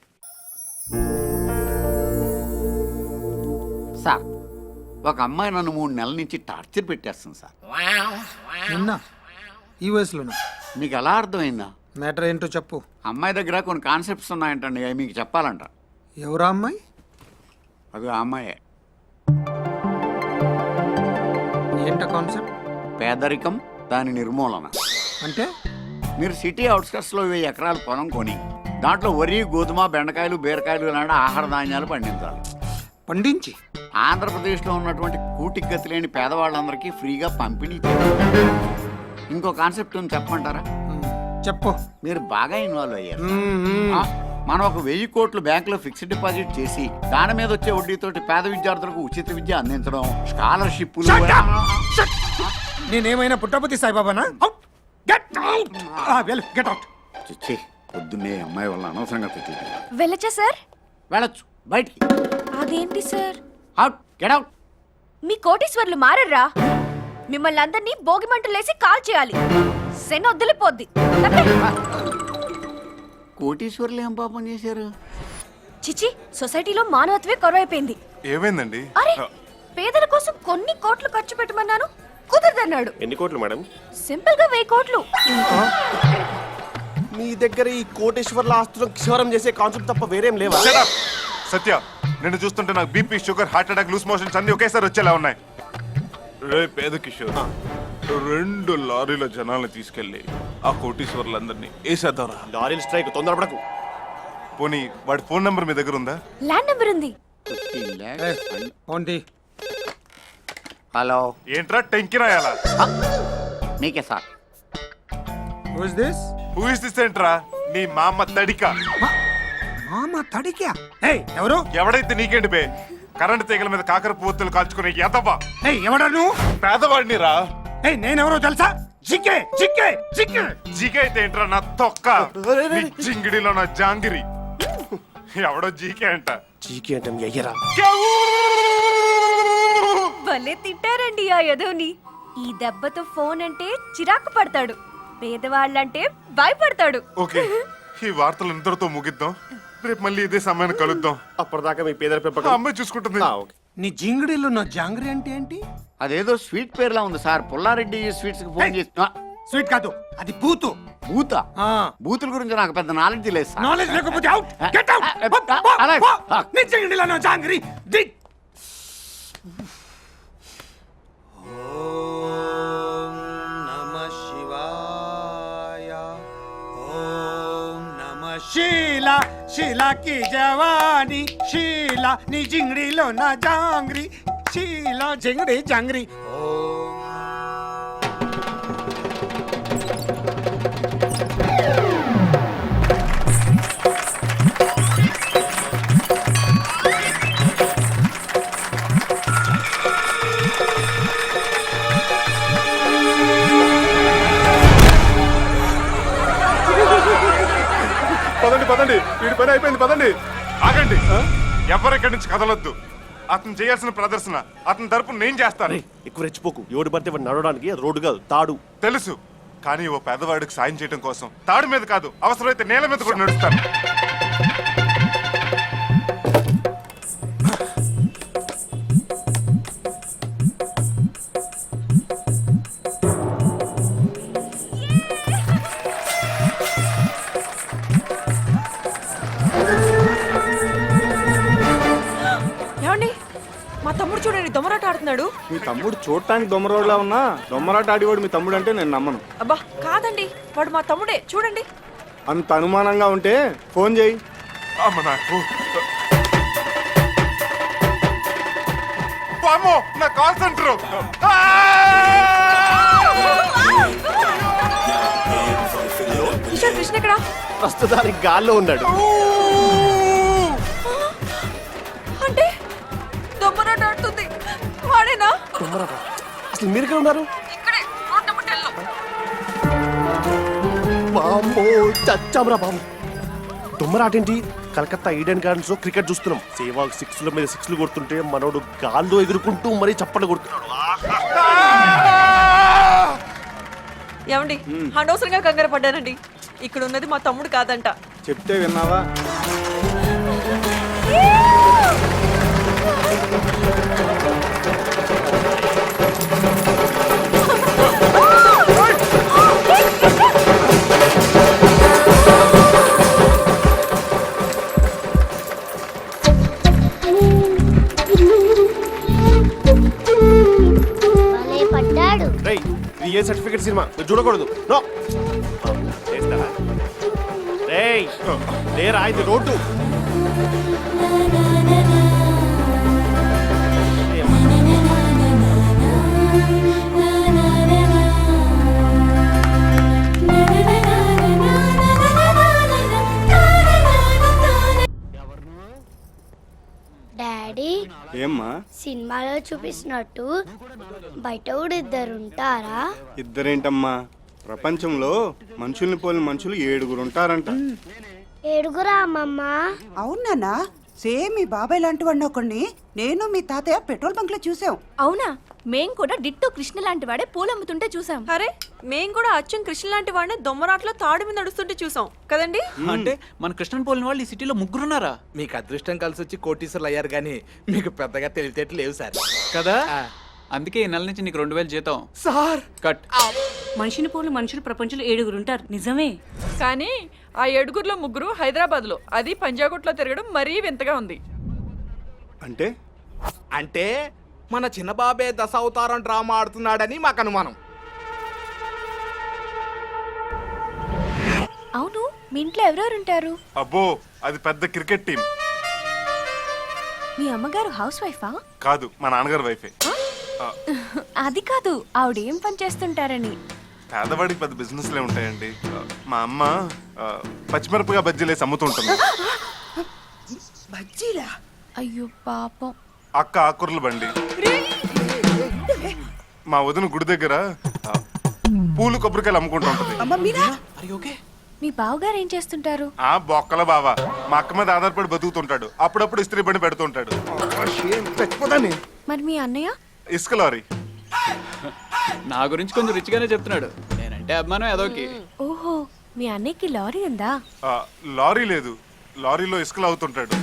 [SPEAKER 5] సార్, ఒక అమ్మాయి నన్ను మూడు నెలల నుంచి టార్చర్ పెట్టేస్తుంది సార్.
[SPEAKER 4] నిన్న ఈ వయసులోనా?
[SPEAKER 5] మీకు ఎలా అర్థమైందా?
[SPEAKER 4] మ్యాటర్ ఏంటో చెప్పు.
[SPEAKER 5] అమ్మాయి దగ్గర కొన్ని కాన్సెప్ట్స్ ఉన్నాయంటండి, అవి మీకు చెప్పాలంట.
[SPEAKER 4] ఎవరా అమ్మాయి?
[SPEAKER 5] అది ఆ అమ్మాయే.
[SPEAKER 4] ఏంట కాన్సెప్ట్?
[SPEAKER 5] పేదరికం, దాని నిర్మూలన.
[SPEAKER 4] అంటే
[SPEAKER 5] మీరు సిటీ అవుట్స్కట్స్లో వెయ్యి ఎకరాల పొలం కొని దాంట్లో వరి, గోధుమ, బెండకాయలు, బీరకాయలు లాంటి ఆహార ధాన్యాలు పండించాలి.
[SPEAKER 4] పండించి
[SPEAKER 5] ఆంధ్రప్రదేశ్లో ఉన్నటువంటి కూటికి గతి లేని పేదవాళ్ళందరికీ ఫ్రీగా పంపిణీ చేయాలి. ఇంకో కాన్సెప్ట్ ఉంది, చెప్పమంటారా?
[SPEAKER 4] చెప్పు.
[SPEAKER 5] మీరు బాగా ఇన్వాల్వ్ అయ్యారు.
[SPEAKER 4] మ్మ్.
[SPEAKER 5] ఆ, మనం ఒక వెయ్యి కోట్లు బ్యాంకులో ఫిక్స్డ్ డిపాజిట్ చేసి దాని మీద వచ్చే వడ్డీతోటి పేద విద్యార్థులకు ఉచిత విద్య అందించడం, స్కాలర్షిప్లు.
[SPEAKER 4] నేనేమైనా పుట్టపతి సాయిబాబానా? Get out. Well get out.
[SPEAKER 5] చిచ్చి, పొద్దున్నే అమ్మాయి వల్ల అనవసరంగా తిట్టి.
[SPEAKER 11] వెళ్ళచ్చా సార్?
[SPEAKER 5] వెళ్ళొచ్చు, బయటికి.
[SPEAKER 11] అదేంటి సార్?
[SPEAKER 5] Out, get out.
[SPEAKER 11] మీ కోటీశ్వర్లు మారర్రా? మిమ్మల్ని అందరినీ భోగి మంటలేసి కాల్ చేయాలి. శని వదిలిపోద్ది.
[SPEAKER 5] కోటీశ్వర్లు ఏం పాపం చేశారు?
[SPEAKER 11] చిచి, సొసైటీలో మానవత్వే కరువైపోయింది.
[SPEAKER 6] ఏమైందండి?
[SPEAKER 11] అరే, పేదల కోసం కొన్ని కోట్లు ఖర్చు పెట్టమన్నాను, కుదరదన్నాడు.
[SPEAKER 10] ఎన్ని కోట్లు మేడం?
[SPEAKER 11] సింపుల్ గా వెయ్యి కోట్లు.
[SPEAKER 10] మీ దగ్గర ఈ కోటేశ్వర్ల ఆస్తులను క్షవరం చేసే కాన్సెప్ట్ తప్ప వేరేం లేవా?
[SPEAKER 6] Shut up! సత్య, నిన్ను చూస్తుంటే నాకు BP, sugar, heart attack, loose motions అన్ని ఒకేసారి వచ్చేలా ఉన్నాయి. రే పేద కిషోర్, రెండు లారీల జనాల్ని తీసుకెళ్లి ఆ కోటీశ్వర్లందరినీ వేసేద్దారా?
[SPEAKER 10] లారీల స్ట్రైక్, తొందరపడకు.
[SPEAKER 6] పోనీ వాడి ఫోన్ నంబర్ మీ దగ్గర ఉందా?
[SPEAKER 11] ల్యాండ్ నెంబర్ ఉంది.
[SPEAKER 4] ఏంటి?
[SPEAKER 5] హలో,
[SPEAKER 6] ఏంట్రా టెంకి రాయాలా?
[SPEAKER 5] మీకే sir.
[SPEAKER 4] Who is this?
[SPEAKER 6] Who is this ఏంట్రా? నీ మామ తడిక.
[SPEAKER 4] మామ తడికా? ఏయ్, ఎవరు?
[SPEAKER 6] ఎవడైతే నీకేంటి బే? కరెంట్ తీగల మీద కాకర పువ్వులు కాల్చుకునే ఎదవా.
[SPEAKER 4] ఏయ్, ఎవడా నువ్వు?
[SPEAKER 6] పేదవాడిని రా.
[SPEAKER 4] ఏయ్, నేనెవరో తెలుసా? జిక్కే జిక్కే జిక్కే.
[SPEAKER 6] జీకే అయితే ఏంట్రా నా తొక్క? నీ జింగిడిలో నా జాంగిరి. ఎవడో జీకే అంట.
[SPEAKER 10] చీకి అంటే మీ అయ్యరా?
[SPEAKER 11] భలే తిట్టారండి ఆ యదవ్ని. ఈ దెబ్బతో ఫోన్ అంటే చిరాకు పడతాడు, పేదవాళ్ళంటే భయపడతాడు.
[SPEAKER 6] ఓకే, ఈ వార్తలు ఇంతటితో ముగిద్దాం. రేపు మళ్ళీ ఇదే సమయాన్ని కలుద్దాం.
[SPEAKER 10] అప్పటిదాకా మీ పేదల పెంపకం
[SPEAKER 6] ఆ అమ్మాయి చూసుకుంటుంది.
[SPEAKER 10] ఆ, ఓకే.
[SPEAKER 4] నీ జింగిడిలో నా జాంగ్రీ అంటే ఏంటి?
[SPEAKER 5] అదేదో స్వీట్ పేర్లా ఉంది సార్. పుల్లారెడ్డి స్వీట్స్ కి ఫోన్ చేసి. ఆ,
[SPEAKER 4] స్వీట్ కాదు, అది పూతు.
[SPEAKER 5] బూత.
[SPEAKER 4] ఆ.
[SPEAKER 5] బూతుల గురించి నాకు పెద్ద నాలెడ్జ్ లేదు సార్.
[SPEAKER 4] నాలెడ్జ్ లేకపోతే అవుట్. Get out.
[SPEAKER 5] అలాగే.
[SPEAKER 4] నీ జింగిడిలో నా జాంగ్రీ. దిక్. ఓం నమః శివాయ. ఓం నమః శీలా శీలా కి జవాని శీలా నీ జింగిడిలో నా జాంగ్రీ శీలా జింగిడి జాంగ్రీ. ఓం
[SPEAKER 6] పదండి పదండి, వీడి పని అయిపోయింది. పదండి. ఆగండి. ఎవరెక్కడి నుంచి కదలొద్దు. అతను చేయాల్సిన ప్రదర్శన అతని తరపు నేను చేస్తాను.
[SPEAKER 10] ఎక్కువ రెచ్చిపోకు. ఎవడు పడితే వాడు నడవడానికి అది రోడ్డు కాదు, తాడు.
[SPEAKER 6] తెలుసు, కానీ ఓ పేదవాడికి సాయం చేయడం కోసం తాడు మీద కాదు, అవసరమైతే నేల మీద కూడా నడుస్తాను.
[SPEAKER 9] ఏమండి మా తమ్ముడు చూడండి దొమరాట ఆడుతున్నాడు.
[SPEAKER 3] మీ తమ్ముడు చూడటానికి దొమ్మరోడ్లా ఉన్నా దొమ్మరాట ఆడివాడు మీ తమ్ముడు అంటే నేను నమ్మను.
[SPEAKER 9] అబ్బా కాదండి, వాడు మా తమ్ముడే చూడండి.
[SPEAKER 3] అంత అనుమానంగా ఉంటే ఫోన్ చేయి.
[SPEAKER 6] అమ్మ నాకు అమ్మో, నా కాల్ సెంటర్.
[SPEAKER 9] కిషోర్ కృష్ణ ఎక్కడ?
[SPEAKER 10] ప్రస్తుతానికి గాల్లో ఉన్నాడు.
[SPEAKER 9] అంటే దొమ్మరాట ఆడుతుంది వాడేనా?
[SPEAKER 10] అసలు మీరు ఇక్కడ ఉన్నారు?
[SPEAKER 9] ఇక్కడే రోడ్ నెంబర్ టెన్ లో.
[SPEAKER 10] బామ్మో, చచ్చామరా బాబు. దుమ్మరాటేంటి? కలకత్తా ఈడెన్ గార్డెన్స్ లో క్రికెట్ చూస్తున్నాం. సేవాగ్ సిక్స్ ల మీద సిక్స్లు కొడుతుంటే మనోడు గాల్లో ఎగురుకుంటూ మరీ చప్పట్లు కొడుతున్నాడు.
[SPEAKER 9] ఏమండి అనవసరంగా కంగారు పడ్డానండి. ఇక్కడ ఉన్నది మా తమ్ముడు కాదంట.
[SPEAKER 3] చెప్తే విన్నావా?
[SPEAKER 11] పడ్డాడు.
[SPEAKER 10] రేయ్, ఇది ఏ సర్టిఫికేట్ సినిమా? మీరు చూడకూడదు. నో. చేస్తారా? రేయ్, లేరా, ఇది రోడ్డు.
[SPEAKER 11] డాడీ,
[SPEAKER 3] ఏమ్మా?
[SPEAKER 11] సినిమాలో చూపిస్తున్నట్టు బయట కూడా ఇద్దరు ఉంటారా?
[SPEAKER 3] ఇద్దరేంటమ్మా, ప్రపంచంలో మనుషుల్ని పోలిన మనుషులు ఏడుగురు ఉంటారంట.
[SPEAKER 11] ఏడుగురా అమ్మమ్మ?
[SPEAKER 12] అవునా? సేమ్ మీ బాబాయ్ లాంటి వాడిని ఒకడిని నేను మీ తాతయ్య పెట్రోల్ బంక్ లో చూసాం.
[SPEAKER 11] అవునా? మేం కూడా డిట్టో కృష్ణ లాంటి వాడే పూలు అమ్ముతుంటే చూసాం.
[SPEAKER 9] అరే మేం కూడా అచ్చం కృష్ణ లాంటి వాడిని దొమ్మరాట్లో తాడు మీద నడుస్తుంటే చూసాం కదండి.
[SPEAKER 7] అంటే మన కృష్ణన్ పోలిన వాళ్ళు ఈ సిటీలో ముగ్గురున్నారా?
[SPEAKER 2] మీకు అదృష్టం కలిసి వచ్చి కోటీశ్వర్లు అయ్యారు కానీ మీకు పెద్దగా తెలివితేటలు లేవు సార్.
[SPEAKER 7] కదా, అందుకే ఈ నెల నుంచి నీకు రెండు వేలు జీతం.
[SPEAKER 2] Sir
[SPEAKER 7] cut.
[SPEAKER 9] మనిషిని పోలు మనుషులు ప్రపంచంలో ఏడుగురు ఉంటారు నిజమే, కానీ ఆ ఏడుగురులో ముగ్గురు హైదరాబాద్ లో, అది పంజాగుట్లో తిరగడం మరీ వింతగా ఉంది.
[SPEAKER 3] అంటే
[SPEAKER 2] అంటే మన చిన్న బాబే దశావతారం డ్రామా ఆడుతున్నాడని మాకు అనుమానం.
[SPEAKER 11] అవును, మీ ఇంట్లో ఎవరెవరు ఉంటారు?
[SPEAKER 6] అబ్బో, అది పెద్ద క్రికెట్ టీం.
[SPEAKER 11] మీ అమ్మగారు హౌస్ వైఫా?
[SPEAKER 6] కాదు, మా నాన్నగారు వైఫే.
[SPEAKER 11] అది కాదు, ఆవిడ ఏం పని చేస్తుంటారని.
[SPEAKER 6] పేదవాడికి పెద్ద బిజినెస్లే ఉంటాయండి. మా అమ్మ ఆ, పచ్చిమిరపగా బజ్జీలేసి అమ్ముతుంటుంది.
[SPEAKER 12] బజ్జీలా?
[SPEAKER 11] అయ్యో పాపం.
[SPEAKER 6] అక్క ఆకుర్ల బండి. మా వదిన గుడి దగ్గర ఆ, పూలు కొబ్బరికాయలు అమ్ముకుంటూ ఉంటుంది.
[SPEAKER 12] అమ్మ మీరా?
[SPEAKER 11] మీ బావగారు ఏం చేస్తుంటారు?
[SPEAKER 6] ఆ బొక్కల బావ మా అక్క మీద ఆధారపడి బతుకుతుంటాడు. అప్పుడప్పుడు ఇస్త్రీ బండి పెడుతుంటాడు.
[SPEAKER 11] మరి మీ అన్నయ్య?
[SPEAKER 6] ఇసుక లారీ.
[SPEAKER 7] నా గురించి కొంచెం రిచ్ గానే చెప్తున్నాడు. నేనంటే అభిమానం ఏదోకి.
[SPEAKER 11] ఓహో, మీ అన్నయ్యకి లారీ ఉందా?
[SPEAKER 6] ఆ, లారీ లేదు, లారీలో ఇసుకలు అవుతుంటాడు.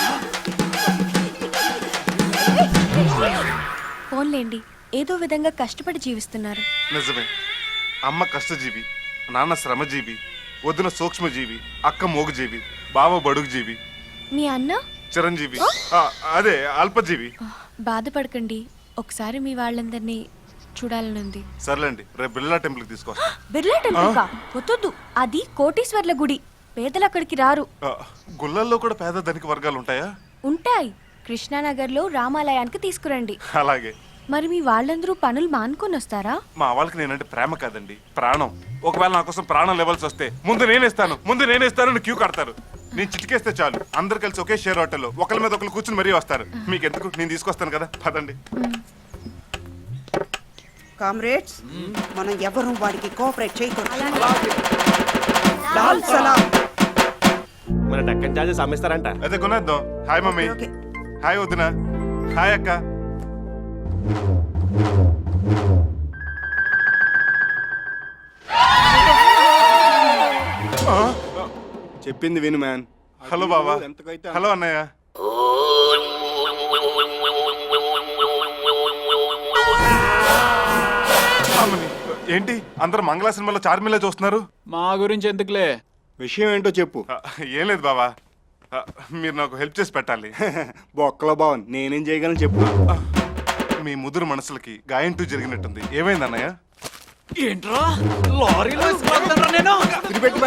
[SPEAKER 11] ఫోన్లేండి, ఏదో విధంగా కష్టపడి జీవిస్తున్నారు.
[SPEAKER 6] నిజమే, అమ్మ కష్టజీవి, నాన్న శ్రమజీవి, వదిన సూక్ష్మజీవి, అక్క మోగుజీవి, బావ బడుగుజీవి,
[SPEAKER 11] మీ అన్న
[SPEAKER 6] చిరంజీవి, ఆ, అదే అల్పజీవి.
[SPEAKER 11] బాధపడకండి, ఒకసారి మీ వాళ్ళందరినీ చూడాలనుంది.
[SPEAKER 6] సర్లేండి, రేపు బిర్లా టెంపుల్కి తీసుకొస్తా.
[SPEAKER 11] బిర్లా టెంపుల్ కా? వద్దు, అది కోటీశ్వర్ల గుడి, పేదలు అక్కడికి రారు.
[SPEAKER 6] ఆ, గుళ్ళల్లో కూడా పేద ధనిక వర్గాలు ఉంటాయా?
[SPEAKER 11] ఉంటాయి, కృష్ణానగర్లో రామాలయానికి తీసుకురండి.
[SPEAKER 6] అలాగే.
[SPEAKER 11] మరి మీ వాళ్ళందరూ పనులు మానుకొని వస్తారా?
[SPEAKER 6] మా వాళ్ళకి నేనంటే ప్రేమ కాదండి, ప్రాణం. ఒకవేళ నా కోసం ప్రాణం లెవెల్స్ వస్తే ముందు నేనేస్తాను, ముందు నేనేస్తాను క్యూ కడతారు. నేను చిటికేస్తే చాలు, అందరు కలిసి ఒకే షేర్ హోటల్లో ఒకరి మీద ఒకరు కూర్చుని మరీ వస్తారు. మీకు ఎందుకు, నేను తీసుకొస్తాను కదా, పదండి.
[SPEAKER 12] కామ్రేడ్స్, మనం ఎవరు వాడికి కోఆపరేట్ చేయకూడదు. లాల్ సలాం.
[SPEAKER 10] మన డక్కన్ చార్జెస్ అమ్మేస్తారంట.
[SPEAKER 6] అయితే కొనేద్దాం. Hi mummy.
[SPEAKER 12] ఓకే.
[SPEAKER 6] హాయ్ వదిన. హాయ్ అక్క. ఆ?
[SPEAKER 3] చెప్పింది విను మ్యాన్.
[SPEAKER 6] హలో బాబా. హలో అన్నయ్య. అమ్మని, ఏంటి అందరు మంగళ సినిమాలో చార్మిలా చూస్తున్నారు?
[SPEAKER 7] మా గురించి ఎందుకులే,
[SPEAKER 3] విషయం ఏంటో చెప్పు.
[SPEAKER 6] ఆ, ఏం లేదు బాబా, ఆ, మీరు నాకు హెల్ప్ చేసి పెట్టాలి.
[SPEAKER 3] బొక్కలో బావన్ నేనేం చేయగలను చెప్పు.
[SPEAKER 6] ఆ, మీ ముదురు మనసులకి గాయంటూ జరిగినట్టుంది. ఏమైంది అన్నయ్య?
[SPEAKER 7] ఏంట్రా లారీలో ఇసుకెళ్తానురా నేను.
[SPEAKER 11] ఏంటి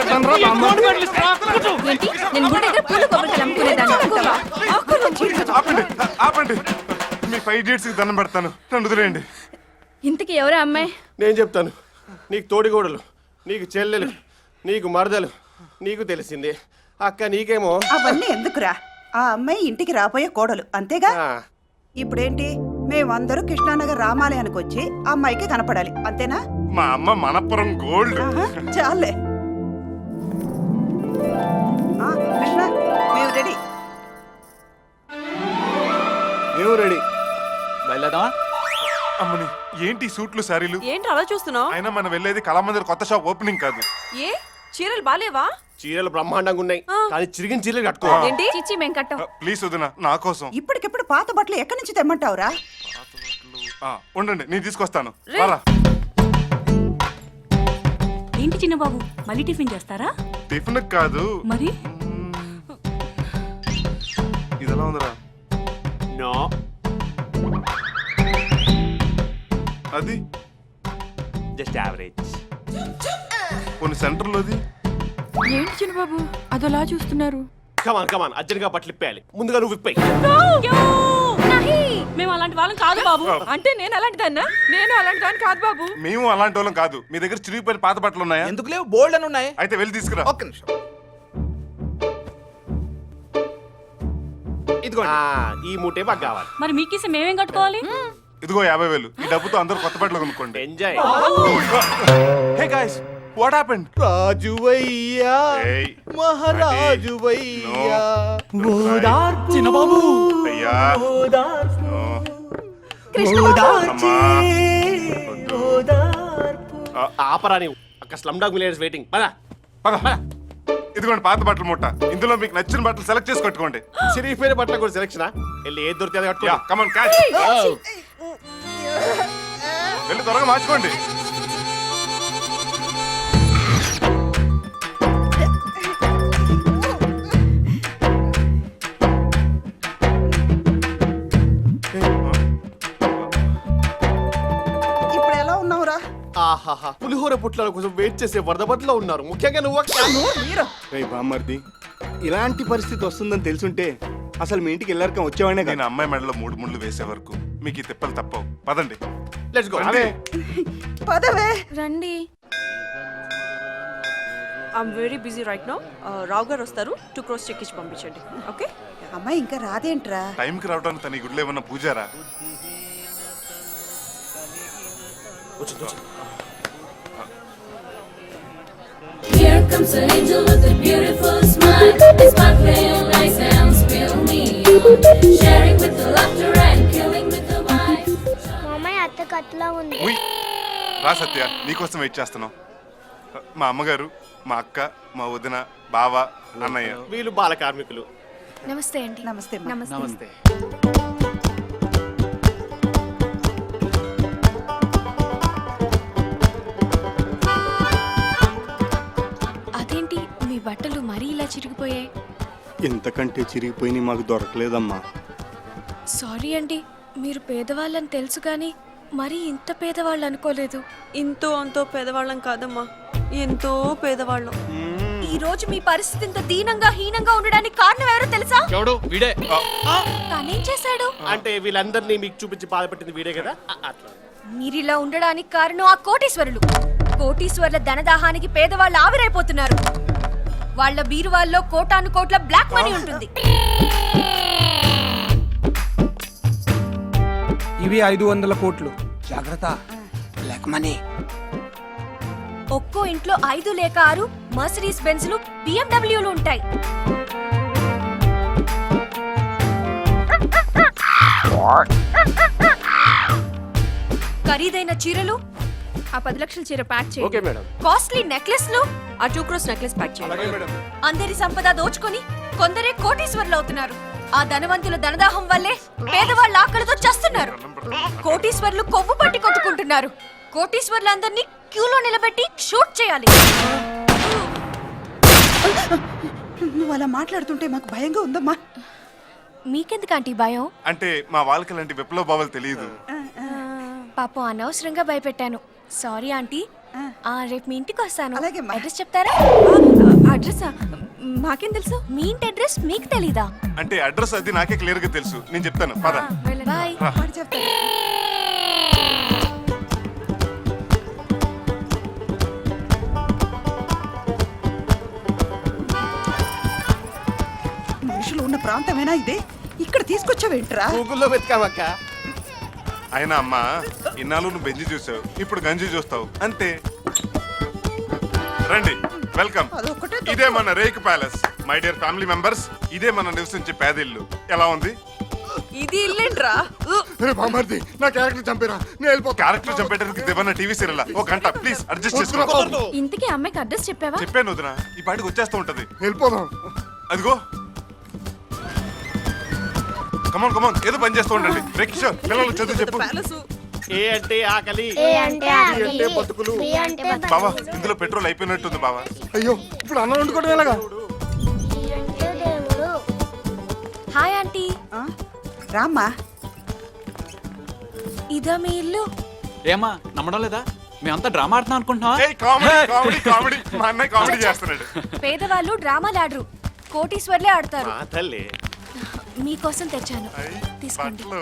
[SPEAKER 11] నేను గుడి దగ్గర పూల కొబ్బరికాయలు అమ్ముకునేదాన్ని అనుకోవా?
[SPEAKER 6] ఆపండి ఆపండి, మీ ఫైవ్ ఇడియట్స్ కి దండం పెడతాను, నన్ను వదిలేయండి.
[SPEAKER 11] ఇంతకి ఎవరే అమ్మాయి?
[SPEAKER 10] నేను చెప్తాను. నీకు తోడిగోడలు, నీకు చెల్లెలు, నీకు మరదలు, నీకు తెలిసింది. అక్క నీకేమో
[SPEAKER 12] అవన్నీ ఎందుకురా? ఆ అమ్మాయి ఇంటికి రాబోయే కోడలు అంతేగా.
[SPEAKER 10] ఆ,
[SPEAKER 12] ఇప్పుడేంటి, మేమందరూ కృష్ణానగర్ రామాలయానికి వచ్చి ఆ అమ్మాయికి కనపడాలి అంతేనా?
[SPEAKER 6] మా అమ్మ మనపురం గోల్డ్.
[SPEAKER 12] ఆహా, చాలే. ఆ, కృష్ణ మేము రెడీ.
[SPEAKER 3] మేము రెడీ.
[SPEAKER 7] బయలుదేరదామా?
[SPEAKER 6] అమ్మని, ఏంటి ఈ సూట్లు శారీలు?
[SPEAKER 9] ఏంటి అలా చూస్తున్నావు?
[SPEAKER 6] అయినా మనం వెళ్ళేది కళామందిర్ కొత్త షాప్ ఓపెనింగ్ కాదు.
[SPEAKER 9] ఏ చీరలు బాలేవా?
[SPEAKER 10] చీరలు బ్రహ్మాండంగా ఉన్నాయి, కానీ చిరిగిన చీరలు కట్టుకోవాలి.
[SPEAKER 11] ఏంటి చిచ్చి మేము కట్టాం.
[SPEAKER 6] ప్లీజ్ వదిన, నా కోసం.
[SPEAKER 12] ఇప్పటికిప్పుడు పాత బట్టలు ఎక్కడి నుంచి తెమ్మంటావురా?
[SPEAKER 6] ఆ, ఉండండి నేను తీసుకొస్తాను. రారా.
[SPEAKER 9] ఏంటి చిన్న బాబు, మళ్ళీ టిఫిన్ చేస్తారా?
[SPEAKER 6] టిఫిన్ కాదు,
[SPEAKER 9] మరి
[SPEAKER 6] ఇది ఎలా ఉందిరా?
[SPEAKER 10] నో,
[SPEAKER 6] అది
[SPEAKER 10] జస్ట్ యావరేజ్.
[SPEAKER 6] కొన్ని సెంటర్లోది.
[SPEAKER 9] ఏంటి చిన్న బాబు అదోలా చూస్తున్నారు?
[SPEAKER 10] కమాన్ కమాన్, అర్జెంట్గా బట్టలు ఇప్పేయాలి. ముందుగా నువ్వు ఇప్పాయి.
[SPEAKER 9] మేము అలాంటి వాళ్ళం కాదు బాబు. అంటే నేను అలాంటి దాన్నా? నేను అలాంటి దాన్ని కాదు బాబు.
[SPEAKER 6] మేము అలాంటి వాళ్ళం కాదు. మీ దగ్గర చిరిగిపోయిన పాత బట్టలు ఉన్నాయా?
[SPEAKER 2] ఎందుకు లేవు, బోల్డ్ అని ఉన్నాయి.
[SPEAKER 6] అయితే వెళ్ళి తీసుకురా.
[SPEAKER 2] ఒక్క నిమిషం.
[SPEAKER 10] ఇదిగోండి, ఈ మూటే మాకు కావాలి.
[SPEAKER 9] మరి మీకేసి మేమేం కట్టుకోవాలి?
[SPEAKER 6] ఇదిగో యాభై వేలు. ఈ డబ్బుతో అందరూ కొత్త బట్టలు కొనుక్కోండి.
[SPEAKER 10] Enjoy.
[SPEAKER 6] Hey guys, what happened?
[SPEAKER 8] రాజువయ్యా,
[SPEAKER 6] ఏయ్,
[SPEAKER 8] మహారాజువయ్యా,
[SPEAKER 7] చిన్న బాబు
[SPEAKER 6] అయ్యా, నో.
[SPEAKER 11] కృష్ణ
[SPEAKER 6] అమ్మా, వద్దు.
[SPEAKER 10] ఆపరా నీవు. అక్క స్లమ్ డాగ్ మిలియనర్స్ వెయిటింగ్. పదా
[SPEAKER 6] పద, పద. ఇదిగోండి పాత బట్టల మూట. ఇందులో మీకు నచ్చిన బట్టలు సెలెక్ట్ చేసి కట్టుకోండి.
[SPEAKER 10] చిరిగిపోయిన బట్టలు కూడా సెలెక్షన్. వెళ్ళి ఏది దొరికితే అది
[SPEAKER 6] యా,
[SPEAKER 10] కట్టుకో.
[SPEAKER 6] Come on catch. వెళ్ళి త్వరగా మార్చుకోండి.
[SPEAKER 12] ఇప్పుడు ఎలా ఉన్నావురా?
[SPEAKER 10] ఆహాహా, పులిహోర పుట్ల కోసం వెయిట్ చేసే వరద బట్టలో ఉన్నారు. ముఖ్యంగా నువ్వు అక్క.
[SPEAKER 3] రేయ్ బామ్మర్ది, ఇలాంటి పరిస్థితి వస్తుందని తెలుసుంటే అసలు మీ ఇంటికి వెళ్ళాక వచ్చేవాడినే
[SPEAKER 6] నేను
[SPEAKER 3] కదా.
[SPEAKER 6] అమ్మాయి మెడలో మూడు ముళ్ళు వేసే వరకు మీకు ఈ తిప్పలు తప్పవు. పదండి.
[SPEAKER 10] Let's go.
[SPEAKER 6] రండి.
[SPEAKER 12] పదవే.
[SPEAKER 11] రండి.
[SPEAKER 9] I'm very busy right now. Rao గారు వస్తారు, టూ క్రోస్ చెక్ ఇచ్చి పంపించండి. ఓకే.
[SPEAKER 12] అమ్మాయి ఇంకా రాదేంట్రా?
[SPEAKER 6] టైంకి రావడానికి తన ఈ గుడిలో ఏమన్నా Pujara?
[SPEAKER 13] Here comes an angel with a beautiful smile. It's my real nice and spill me on. Sharing with the laughter and killing with the wine.
[SPEAKER 11] మామయ్య అత్త కట్లా ఉంది.
[SPEAKER 6] ఉయ్, రా సత్య, నీకోసం వెయిట్ చేస్తున్నాం. మా అమ్మగారు, మా అక్క, మా వదిన, బావ, అన్నయ్య.
[SPEAKER 10] వీళ్ళు బాల కార్మికులు.
[SPEAKER 11] నమస్తే అండి.
[SPEAKER 12] నమస్తే అమ్మా.
[SPEAKER 7] నమస్తే.
[SPEAKER 11] అదేంటి మీ బట్టలు మరీ ఇలా చిరిగిపోయాయి?
[SPEAKER 3] ఇంతకంటే చిరిగిపోయి మాకు దొరకలేదమ్మా.
[SPEAKER 11] సారీ అండి, మీరు పేదవాళ్ళని తెలుసు కానీ మరీ ఇంత పేదవాళ్ళు అనుకోలేదు.
[SPEAKER 9] ఇంతో అంతో పేదవాళ్ళం కాదమ్మా, ఎంతో పేదవాళ్ళం.
[SPEAKER 11] ఈ రోజు మీ పరిస్థితి ఇంత దీనంగా హీనంగా ఉండడానికి కారణం ఎవరో తెలుసా?
[SPEAKER 7] ఎవడు వీడే.
[SPEAKER 11] తనేం చేశాడు?
[SPEAKER 10] అంటే వీళ్ళందరినీ మీకు చూపించి బాధపెట్టింది వీడే కదా. అ- అట్లా
[SPEAKER 11] మీరిలా ఉండడానికి కారణం ఆ కోటీశ్వరులు. కోటీశ్వరుల ధనదాహానికి పేదవాళ్ళు ఆవిరైపోతున్నారు. వాళ్ళ బీరువాల్లో కోటాను కోట్ల బ్లాక్ మనీ ఉంటుంది.
[SPEAKER 4] ఇవి ఐదు వందల కోట్లు. జాగ్రత్త, బ్లాక్ మనీ.
[SPEAKER 11] ఒక్కో ఇంట్లో ఐదు లేక ఆరు మర్సిడీస్ బెంజ్లు బిఎండబ్ల్యూలు ఉంటాయి. ఖరీదైన చీరలు ఆ పది లక్షల చీర ప్యాక్ చేయండి.
[SPEAKER 10] Okay madam.
[SPEAKER 11] కాస్ట్లీ నెక్లెస్లు ఆ టూ క్రోస్ నెక్లెస్ ప్యాక్ చేయండి. అందరి సంపద దోచుకొని కొందరే కోటీశ్వరులు అవుతున్నారు. ఆ ధనవంతుల ధనదాహం వల్లే పేదవాళ్ళ ఆకలితో చస్తున్నారు. కోటీశ్వరులు కొవ్వు పట్టి కొట్టుకుంటున్నారు. కోటీశ్వరులందరినీ క్యూలో నిలబెట్టి షూట్ చేయాలి.
[SPEAKER 12] నువ్వు అలా మాట్లాడుతుంటే మాకు భయంగా ఉందమ్మా.
[SPEAKER 11] మీకెందుకు ఆంటీ భయం?
[SPEAKER 6] అంటే మా వాళ్ళకి ఇలాంటి విప్లవ భావాలు తెలియదు.
[SPEAKER 11] పాపం అనవసరంగా భయపెట్టాను. Sorry aunty. ఆ, రేపు మీ ఇంటికి వస్తాను.
[SPEAKER 12] అలాగే అమ్మా.
[SPEAKER 11] అడ్రస్ చెప్తారా? అడ్రస్ మాకేం తెలుసు? మీ ఇంటి అడ్రస్ మీకు తెలీదా?
[SPEAKER 6] అంటే అడ్రస్ అది నాకే క్లియర్ గా తెలుసు. నేను చెప్తాను పద.
[SPEAKER 11] బాయ్.
[SPEAKER 12] వాడు చెప్తాడు. మనుషులు ఉన్న ప్రాంతమేనా ఇదే? ఇక్కడ తీసుకొచ్చావేంట్రా?
[SPEAKER 3] గూగుల్లో వెతికామక్క.
[SPEAKER 6] అయినా అమ్మా ఇన్నాళ్ళు నువ్వు బెంజి చూసావు, ఇప్పుడు గంజి చూస్తావు అంతే. రండి, వెల్కమ్.
[SPEAKER 12] అదొక్కటే తక్కువ.
[SPEAKER 6] ఇదే మన wreck palace. My dear family members, ఇదే మన నివసించే పేదిల్లు. ఎలా ఉంది?
[SPEAKER 9] ఇది ఇల్లేంట్రా?
[SPEAKER 3] బామర్ది నా క్యారెక్టర్ చంపేరా, నేను వెళ్ళిపోతా.
[SPEAKER 6] క్యారెక్టర్ చంపేయడానికి దేవన్న టీవీ సీరియల్ ఒక గంట ప్లీజ్ అడ్జస్ట్ చేసుకో.
[SPEAKER 11] ఇంతకీ అమ్మాయికి అడ్రస్ చెప్పావా?
[SPEAKER 6] చెప్పాను వదినా, ఈ పాటికి వచ్చేస్తూ ఉంటది.
[SPEAKER 3] వెళ్ళిపోదాం.
[SPEAKER 6] అదిగో కమాన్ కమాన్, ఏదో పని చేస్తూ ఉండండి. కిషోర్ పిల్లలు చదువు చెప్పు.
[SPEAKER 10] ఏ అంటే ఆకలి,
[SPEAKER 3] అంటే బతుకులు.
[SPEAKER 6] బావా ఇందులో పెట్రోల్ అయిపోయినట్టుంది బావా.
[SPEAKER 3] అయ్యో ఇప్పుడు అన్నం వండుకోవడం ఎలాగా?
[SPEAKER 11] Hi aunty.
[SPEAKER 12] ఆ? రామ్మా.
[SPEAKER 11] ఇదా మీ ఇల్లు?
[SPEAKER 7] ఏమా నమ్మడం లేదా? మేమంతా డ్రామా ఆడుతున్నాం అనుకుంటున్నావా?
[SPEAKER 6] ఏయ్ కామెడీ కామెడీ కామెడీ, మా అన్నయ్య కామెడీ చేస్తున్నాడు.
[SPEAKER 11] పేదవాళ్ళు డ్రామాలు ఆడరు, కోటీశ్వర్లే ఆడతారు.
[SPEAKER 10] ఆ తల్లి
[SPEAKER 11] మీకోసం తెచ్చాను,
[SPEAKER 6] అయ్,
[SPEAKER 11] తీసుకోండి.
[SPEAKER 6] బట్టలు.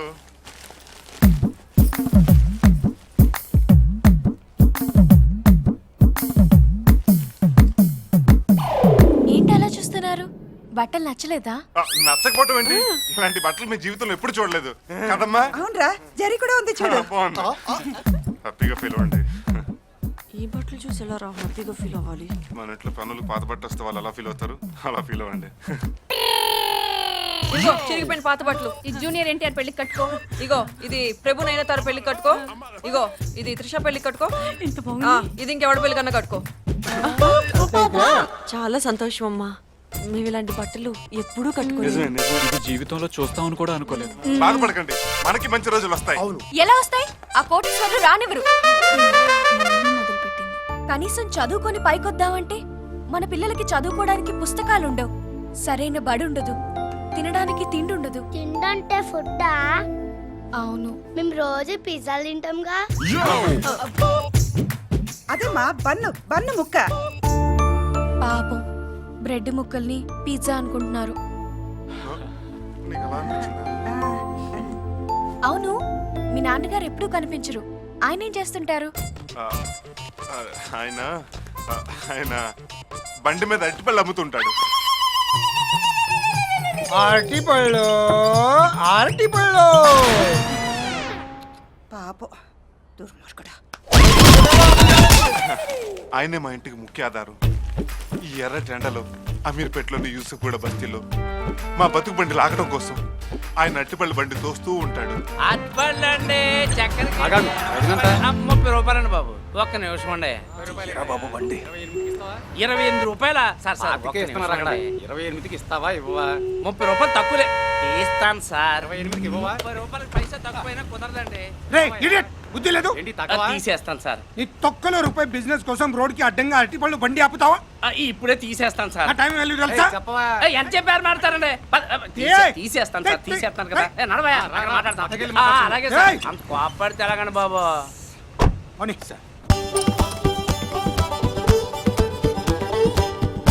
[SPEAKER 11] ఏంటి అలా చూస్తున్నారు? బట్టలు నచ్చలేదా?
[SPEAKER 6] ఆ, నచ్చకపోవటం ఏంటి? ఇలాంటి బట్టలు మీ జీవితంలో ఎప్పుడు చూడలేదు కదమ్మా.
[SPEAKER 12] అవునరా, జరి కూడా ఉంది చూడు.
[SPEAKER 6] బాగుంది, హ్యాపీగా ఫీల్ అవ్వండి.
[SPEAKER 9] ఈ బట్టలు చూసి ఎలా రా హ్యాపీగా ఫీల్ అవ్వాలి?
[SPEAKER 6] మన ఇంట్లో పనులు పాత బట్ట వస్తే వాళ్ళు ఎలా ఫీల్ అవుతారు, అలా ఫీల్ అవ్వండి.
[SPEAKER 9] ఇగో చిరిగిపోయిన పాత బట్టలు. ఇది జూనియర్ ఎన్టీఆర్ పెళ్లికి కట్టుకో. ఇగో ఇది ప్రభు నైనతార పెళ్లికి కట్టుకో. ఇగో ఇది త్రిష పెళ్లికి కట్టుకో.
[SPEAKER 11] ఇంత
[SPEAKER 9] ఆ, ఇది ఇంకెవడ పెళ్లి కన్నా కట్టుకో. చాలా సంతోషం అమ్మా, మేము ఇలాంటి బట్టలు ఎప్పుడూ కట్టుకోలేదు.
[SPEAKER 6] నిజమే నిజమే.
[SPEAKER 7] ఇది జీవితంలో చూస్తామని కూడా అనుకోలేదు.
[SPEAKER 6] బాధపడకండి, మనకి మంచి రోజులు వస్తాయి.
[SPEAKER 11] ఎలా వస్తాయి? ఆ కోటీశ్వర్లు రానివ్వరు. మొదలుపెట్టింది. కనీసం చదువుకొని పైకొద్దామంటే మన పిల్లలకి చదువుకోవడానికి పుస్తకాలు ఉండవు, సరైన బడి ఉండదు, తినడానికి తిండి ఉండదు.
[SPEAKER 13] తిండంటే ఫుడ్డా?
[SPEAKER 11] అవును.
[SPEAKER 13] మేము రోజు పిజ్జాలు తింటాంగా.
[SPEAKER 12] అదేమ్మా బన్ను బన్ను ముక్క.
[SPEAKER 11] పాపం బ్రెడ్ ముక్కల్ని పిజ్జా అనుకుంటున్నారు.
[SPEAKER 6] నీకు అలా అనిపించిందా?
[SPEAKER 11] అవును, మీ నాన్నగారు ఎప్పుడూ కనిపించరు. ఆయన ఏం చేస్తుంటారు?
[SPEAKER 6] ఆ, ఆ, ఆయన ఆ, ఆయన బండి మీద అరటిపళ్ళు అమ్ముతుంటాడు.
[SPEAKER 4] అరటి పళ్ళు, అరటి పళ్ళు.
[SPEAKER 12] పాపం దుర్మార్గుడా.
[SPEAKER 6] ఆయనే మా ఇంటికి ముఖ్య ఆధారం. ఈ ఎర్ర టెండలో అమీర్పేటలోని యూసుఫ్ కూడా బస్తీలో మా బతుకు బండి లాగడం కోసం ఆయన అట్టిపల్లి బండి తోస్తూ ఉంటాడు.
[SPEAKER 2] అట్పండి చక్కెర
[SPEAKER 7] ముప్పై రూపాయలండి
[SPEAKER 2] బాబు. ఒక్క నిమిషం అండి.
[SPEAKER 3] బాబు బండి
[SPEAKER 2] ఇరవై ఎనిమిది రూపాయల సార్ సార్ ఒక్క నిమిషం అండి.
[SPEAKER 7] ఇరవై ఎనిమిదికి ఇస్తావా ఇవ్వవా?
[SPEAKER 2] ముప్పై రూపాయలు తక్కువలే తీస్తాను సార్. ఇరవై ఎనిమిదికి ఇవ్వవా? ముప్పై రూపాయలు పైసా తక్కువైనా కుదరదండి.
[SPEAKER 4] రే ఇడియట్, బుద్ధి లేదు?
[SPEAKER 7] ఏంటి
[SPEAKER 2] ఆ,
[SPEAKER 7] తక్కువ?
[SPEAKER 2] తీసేస్తాను సార్.
[SPEAKER 4] నీ తొక్కలో రూపాయి బిజినెస్ కోసం రోడ్ కి అడ్డంగా అరటి పళ్ళు బండి ఆపుతావా?
[SPEAKER 2] ఆ, ఇప్పుడే తీసేస్తాను సార్.
[SPEAKER 4] ఆ టైం వెళ్ళి తెలుసా?
[SPEAKER 7] చెప్పవా?
[SPEAKER 2] ఏ, ఎంత చెప్పారు మాట్లాడతారండి? పద- ఆ, తీసే-
[SPEAKER 4] ఏయ్!
[SPEAKER 2] తీసేస్తాను సార్,
[SPEAKER 4] ఏయ్!
[SPEAKER 2] తీసేస్తాను కదా. ఏ, నడవయ్యా, అక్కడ మాట్లాడతాం.
[SPEAKER 7] అక్కడికి వెళ్ళి
[SPEAKER 2] ఆ,
[SPEAKER 7] మాట్లాడు.
[SPEAKER 2] అలాగే సార్.
[SPEAKER 4] ఏయ్!
[SPEAKER 2] అంత కోపడితే ఎలాగండి బాబు?
[SPEAKER 4] పోనీ.